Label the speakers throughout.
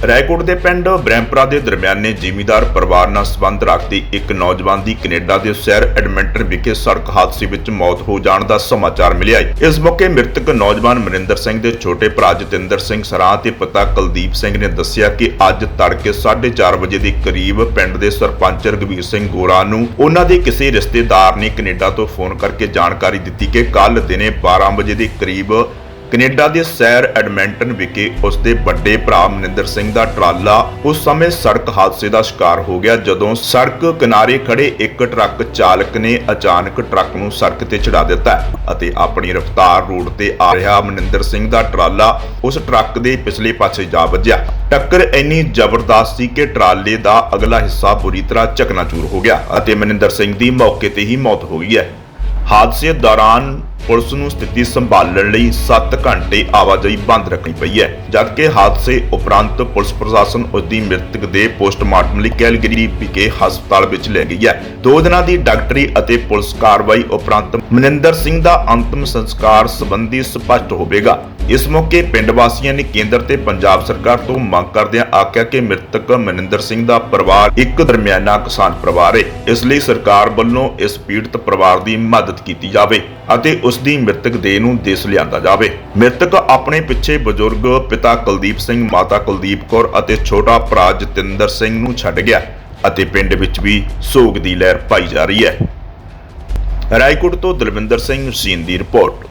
Speaker 1: ਰਾਏਕੋਟ ਦੇ ਪਿੰਡ ਬ੍ਰਹਮਪੁਰਾ ਦੇ ਦਰਮਿਆਨੇ ਜ਼ਿਮੀਂਦਾਰ ਪਰਿਵਾਰ ਨਾਲ ਸੰਬੰਧ ਰੱਖਦੇ ਇੱਕ ਨੌਜਵਾਨ ਦੀ ਕੈਨੇਡਾ ਦੇ ਸ਼ਹਿਰ ਐਡਮਿੰਟਨ ਵਿਖੇ ਸੜਕ ਹਾਦਸੇ ਵਿੱਚ ਮੌਤ ਹੋ ਜਾਣ ਦਾ ਸਮਾਚਾਰ ਮਿਲਿਆ ਹੈ। ਇਸ ਮੌਕੇ ਮ੍ਰਿਤਕ ਨੌਜਵਾਨ ਮਨਿੰਦਰ ਸਿੰਘ ਦੇ ਛੋਟੇ ਭਰਾ ਜਤਿੰਦਰ ਸਿੰਘ ਸਰਾਂ ਤੇ ਪਿਤਾ ਕੁਲਦੀਪ ਸਿੰਘ ਨੇ ਦੱਸਿਆ ਕਿ ਅੱਜ ਤੜਕੇ 4:30 ਵਜੇ ਦੇ ਕਰੀਬ ਪਿੰਡ ਦੇ ਸਰਪੰਚ ਰਘਵੀਰ ਸਿੰਘ ਗੋਰਾ ਨੂੰ ਉਹਨਾਂ ਦੇ ਕਿਸੇ ਰਿਸ਼ਤੇਦਾਰ ਨੇ ਕੈਨੇਡਾ ਤੋਂ ਫੋਨ ਕਰਕੇ ਜਾਣਕਾਰੀ ਦਿੱਤੀ ਕਿ ਕੱਲ ਦਿਨੇ 12 ਵਜੇ ਦੇ ਕਰੀਬ ਕੈਨੇਡਾ ਦੇ ਸ਼ਹਿਰ ਐਡਮਿੰਟਨ ਵਿਖੇ ਉਸ ਦੇ ਵੱਡੇ ਭਰਾ ਮਨਿੰਦਰ ਸਿੰਘ ਦਾ ਟਰਾਲਾ ਉਸ ਸਮੇਂ ਸੜਕ ਹਾਦਸੇ ਦਾ ਸ਼ਿਕਾਰ ਹੋ ਗਿਆ ਜਦੋਂ ਸੜਕ ਕਿਨਾਰੇ ਖੜੇ ਇੱਕ ਟਰੱਕ ਚਾਲਕ ਨੇ ਅਚਾਨਕ ਟਰੱਕ ਨੂੰ ਸੜਕ ਤੇ ਚੜਾ ਦਿੱਤਾ ਅਤੇ ਆਪਣੀ ਰਫ਼ਤਾਰ ਰੋਡ ਤੇ ਆ ਰਿਹਾ ਮਨਿੰਦਰ ਸਿੰਘ ਦਾ ਟਰਾਲਾ ਉਸ ਟਰੱਕ ਦੇ ਪਿਛਲੇ ਪਾਸੇ ਜਾ ਵੱਜਿਆ। ਟੱਕਰ ਇੰਨੀ ਜ਼ਬਰਦਸਤ ਸੀ ਕਿ ਟਰਾਲੇ ਦਾ ਅਗਲਾ ਹਿੱਸਾ ਬੁਰੀ ਤਰ੍ਹਾਂ ਚਕਨਾਚੂਰ ਹੋ ਗਿਆ ਅਤੇ ਮਨਿੰਦਰ ਸਿੰਘ ਦੀ ਮੌਕੇ ਤੇ ਹੀ ਮੌਤ ਹੋ ਗਈ ਹੈ। ਹਾਦਸੇ ਦੌਰਾਨ ਪੁਲਿਸ ਨੂੰ ਸਥਿਤੀ ਸੰਭਾਲਣ ਲਈ 7 ਘੰਟੇ ਆਵਾਜਾਈ ਬੰਦ ਰੱਖਣੀ ਪਈ ਹੈ, ਜਦਕਿ ਹਾਦਸੇ ਉਪਰੰਤ ਪੁਲਿਸ ਪ੍ਰਸ਼ਾਸਨ ਉਸ ਦੀ ਮ੍ਰਿਤਕ ਦੇ ਪੋਸਟਮਾਰਟਮ ਲਈ ਕੈਲਗਰੀ ਵਿਖੇ ਹਸਪਤਾਲ ਵਿੱਚ ਲੈ ਗਈ ਹੈ। 2 ਦਿਨਾਂ ਦੀ ਡਾਕਟਰੀ ਅਤੇ ਪੁਲਿਸ ਕਾਰਵਾਈ ਉਪਰੰਤ ਮਨਿੰਦਰ ਸਿੰਘ ਦਾ ਅੰਤਮ ਸੰਸਕਾਰ ਸੰਬੰਧੀ ਸਪਸ਼ਟ ਹੋਵੇਗਾ। ਇਸ ਮੌਕੇ ਪਿੰਡ ਵਾਸੀਆਂ ਨੇ ਕੇਂਦਰ ਤੇ ਪੰਜਾਬ ਸਰਕਾਰ ਤੋਂ ਮੰਗ ਕਰਦਿਆਂ ਆਖਿਆ ਕਿ ਮ੍ਰਿਤਕ ਮਨਿੰਦਰ ਸਿੰਘ ਦਾ ਪਰਿਵਾਰ ਇੱਕ ਦਰਮਿਆਨਾ ਕਿਸਾਨ ਪਰਿਵਾਰ ਹੈ, ਇਸ ਲਈ ਸਰਕਾਰ ਵੱਲੋਂ ਇਸ ਪੀੜਤ ਪਰਿਵਾਰ ਦੀ ਮਦਦ ਕੀਤੀ ਜਾਵੇ ਅਤੇ ਉਸ ਦੀ ਮ੍ਰਿਤਕ ਦੇਹ ਨੂੰ ਦੇਸ਼ ਲਿਆਂਦਾ ਜਾਵੇ। ਮ੍ਰਿਤਕ ਆਪਣੇ ਪਿੱਛੇ ਬਜ਼ੁਰਗ ਪਿਤਾ ਕੁਲਦੀਪ ਸਿੰਘ, ਮਾਤਾ ਕੁਲਦੀਪ ਕੌਰ ਅਤੇ ਛੋਟਾ ਭਰਾ ਜਤਿੰਦਰ ਸਿੰਘ ਨੂੰ ਛੱਡ ਗਿਆ ਅਤੇ ਪਿੰਡ ਵਿੱਚ ਵੀ ਸੋਗ ਦੀ ਲਹਿਰ ਪਾਈ ਜਾ ਰਹੀ ਹੈ। ਰਾਏਕੋਟ ਤੋਂ ਦਲਵਿੰਦਰ ਸਿੰਘ ਸੀਨ ਦੀ ਰਿਪੋਰਟ।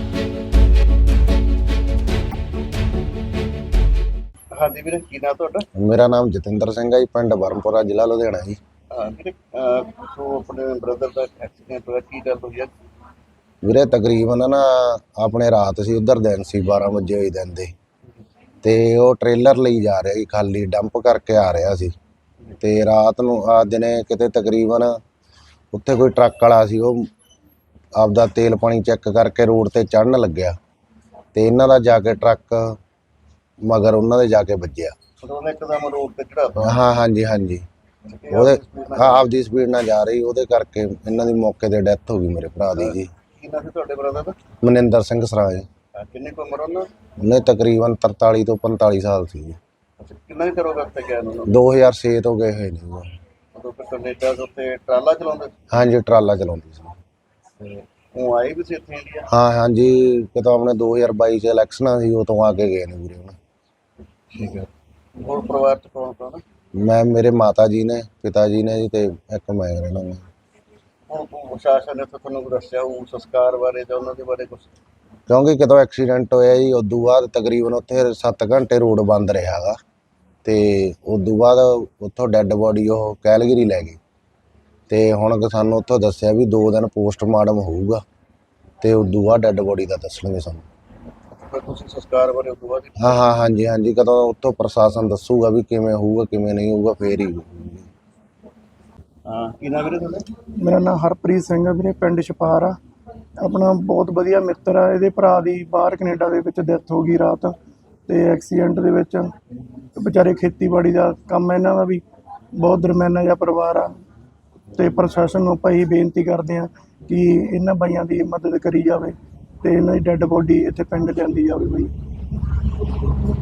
Speaker 2: ਹਾਂਜੀ ਵੀਰੇ, ਕੀ ਨਾਮ ਤੁਹਾਡਾ?
Speaker 3: ਮੇਰਾ ਨਾਮ ਜਤਿੰਦਰ ਸਿੰਘ ਹੈ ਜੀ, ਪਿੰਡ ਬਰਮਪੁਰਾ, ਜ਼ਿਲ੍ਹਾ ਲੁਧਿਆਣਾ ਜੀ।
Speaker 2: ਵੀਰੇ, ਸੋ ਆਪਣੇ ਬ੍ਰਦਰ ਦਾ ਐਕਸੀਡੈਂਟ ਹੋਇਆ, ਕੀ ਗੱਲ ਹੋਈ ਹੈ?
Speaker 3: ਵੀਰੇ ਤਕਰੀਬਨ ਨਾ ਆਪਣੇ ਰਾਤ ਸੀ, ਉਧਰ ਦਿਨ ਸੀ, 12 ਵਜੇ ਹੋਈ ਦਿਨ ਦੇ, ਤੇ ਉਹ ਟ੍ਰੇਲਰ ਲਈ ਜਾ ਰਿਹਾ ਸੀ, ਖਾਲੀ ਡੰਪ ਕਰਕੇ ਆ ਰਿਹਾ ਸੀ ਤੇ ਰਾਤ ਨੂੰ ਆ ਦਿਨੇ ਕਿਤੇ ਤਕਰੀਬਨ ਉੱਥੇ ਕੋਈ ਟਰੱਕ ਵਾਲਾ ਸੀ, ਉਹ ਆਪਦਾ ਤੇਲ ਪਾਣੀ ਚੈੱਕ ਕਰਕੇ ਰੋਡ ਤੇ ਚੜ੍ਹਨ ਲੱਗਿਆ ਤੇ ਇਹਨਾਂ ਦਾ ਜਾ ਕੇ ਟਰੱਕ ਮਗਰ ਉਹਨਾਂ ਦੇ ਜਾ ਕੇ ਵੱਜਿਆ।
Speaker 2: ਉਹਨੇ ਇੱਕਦਮ ਰੋਡ ਤੇ ਚੜਾਤਾ?
Speaker 3: ਹਾਂ ਹਾਂਜੀ ਹਾਂਜੀ, ਉਹਦੇ ਆਪਦੀ ਸਪੀਡ ਨਾਲ ਜਾ ਰਹੀ, ਉਹਦੇ ਕਰਕੇ ਇਹਨਾਂ ਦੀ ਮੌਕੇ ਤੇ ਡੈਥ ਹੋ ਗਈ ਮੇਰੇ ਭਰਾ ਦੀ ਜੀ।
Speaker 2: ਕੀ ਨਾਮ ਸੀ ਤੁਹਾਡੇ ਬ੍ਰਦਰ ਦਾ?
Speaker 3: ਮਨਿੰਦਰ ਸਿੰਘ ਸਰਾਂ ਜੀ।
Speaker 2: ਕਿੰਨੀ ਕੁ ਉਮਰ ਉਹਨਾਂ?
Speaker 3: ਉਹਨੇ ਤਕਰੀਬਨ 43 ਤੋਂ 45 ਸਾਲ ਸੀ ਜੀ।
Speaker 2: ਅੱਛਾ, ਕਿੰਨਾ ਹੀ ਕਰੋਗਾ ਉੱਥੇ ਗਿਆ ਉਹਨਾਂ ਨੂੰ?
Speaker 3: 2006 ਤੋਂ ਗਏ ਹੋਏ ਨੇ ਉਹ।
Speaker 2: ਉਦੋਂ ਫਿਰ ਕੈਨੇਡਾ ਦੇ ਉੱਤੇ ਟਰਾਲਾ ਚਲਾਉਂਦੇ?
Speaker 3: ਹਾਂਜੀ, ਟਰਾਲਾ ਚਲਾਉਂਦੀ ਸੀ।
Speaker 2: ਉਹ ਆਏ ਵੀ ਸੀ ਇੱਥੇ ਇੰਡੀਆ?
Speaker 3: ਹਾਂ ਹਾਂਜੀ, ਕਿਤੋਂ ਆਪਣੇ 2022 ਚ ਇਲੈਕਸ਼ਨਾਂ ਸੀ, ਉਹ ਤੋਂ ਆ ਕੇ ਗਏ ਨੇ ਵੀਰੇ ਹੁਣ।
Speaker 2: ਠੀਕ ਹੈ। ਹੋਰ ਪਰਿਵਾਰ ਚ ਕੌਣ ਕੌਣ?
Speaker 3: ਮੈਂ, ਮੇਰੇ ਮਾਤਾ ਜੀ ਨੇ, ਪਿਤਾ ਜੀ ਨੇ ਜੀ, ਤੇ ਇੱਕ ਮੈਂ ਰਹਿਣਾ।
Speaker 2: ਹੁਣ ਪ੍ਰਸ਼ਾਸਨ ਨੇ ਤੁਹਾਨੂੰ ਦੱਸਿਆ ਉਹ ਸੰਸਕਾਰ ਬਾਰੇ ਜਾਂ ਉਹਨਾਂ ਦੇ ਬਾਰੇ ਕੁਝ?
Speaker 3: ਕਿਉਂਕਿ ਕਿਤੋਂ ਐਕਸੀਡੈਂਟ ਹੋਇਆ ਜੀ, ਉਦੋਂ ਬਾਅਦ ਤਕਰੀਬਨ ਉੱਥੇ 7 ਘੰਟੇ ਰੋਡ ਬੰਦ ਰਿਹਾ ਗਾ ਤੇ ਉਦੋਂ ਬਾਅਦ ਉੱਥੋਂ ਡੈੱਡ ਬੋਡੀ ਉਹ ਕੈਲਗਰੀ ਲੈ ਗਏ ਤੇ ਹੁਣ ਸਾਨੂੰ ਉੱਥੋਂ ਦੱਸਿਆ ਵੀ 2 ਦਿਨ ਪੋਸਟਮਾਰਟਮ ਹੋਊਗਾ ਤੇ ਉਦੋਂ ਬਾਅਦ ਡੈੱਡ ਬੋਡੀ ਦਾ ਦੱਸਣਗੇ ਸਾਨੂੰ।
Speaker 2: ਤੁਸੀਂ ਸੰਸਕਾਰ ਬਾਰੇ ਉਦੋਂ ਬਾਅਦ?
Speaker 3: ਹਾਂ ਹਾਂਜੀ ਹਾਂਜੀ, ਕਦੋਂ ਉੱਥੋਂ ਪ੍ਰਸ਼ਾਸਨ ਦੱਸੂਗਾ ਵੀ ਕਿਵੇਂ ਹੋਊਗਾ ਕਿਵੇਂ ਨਹੀਂ ਹੋਊਗਾ, ਫੇਰ ਹੀ ਹੋਊਗਾ।
Speaker 2: ਹਾਂ, ਕੀ ਨਾਮ ਵੀਰੇ ਤੁਹਾਡਾ?
Speaker 4: ਮੇਰਾ ਨਾਮ ਹਰਪ੍ਰੀਤ ਸਿੰਘ ਹੈ ਵੀਰੇ, ਪਿੰਡ ਛਪਾਰ ਆ। ਆਪਣਾ ਬਹੁਤ ਵਧੀਆ ਮਿੱਤਰ ਆ। ਇਹਦੇ ਭਰਾ ਦੀ ਬਾਹਰ ਕੈਨੇਡਾ ਦੇ ਵਿੱਚ ਡੈਥ ਹੋ ਗਈ ਰਾਤ ਤੇ ਐਕਸੀਡੈਂਟ ਦੇ ਵਿੱਚ। ਵਿਚਾਰੇ ਖੇਤੀਬਾੜੀ ਦਾ ਕੰਮ ਹੈ ਇਹਨਾਂ ਦਾ ਵੀ, ਬਹੁਤ ਦਰਮਿਆਨਾ ਜਿਹਾ ਪਰਿਵਾਰ ਆ ਤੇ ਪ੍ਰਸ਼ਾਸਨ ਨੂੰ ਆਪਾਂ ਇਹ ਬੇਨਤੀ ਕਰਦੇ ਹਾਂ ਕਿ ਇਹਨਾਂ ਬਾਈਆਂ ਦੀ ਮਦਦ ਕਰੀ ਜਾਵੇ ਤੇ ਇਹਨਾਂ ਦੀ ਡੈੱਡ ਬੋਡੀ ਇੱਥੇ ਪਿੰਡ ਲਿਆਂਦੀ ਜਾਵੇ ਬਈ।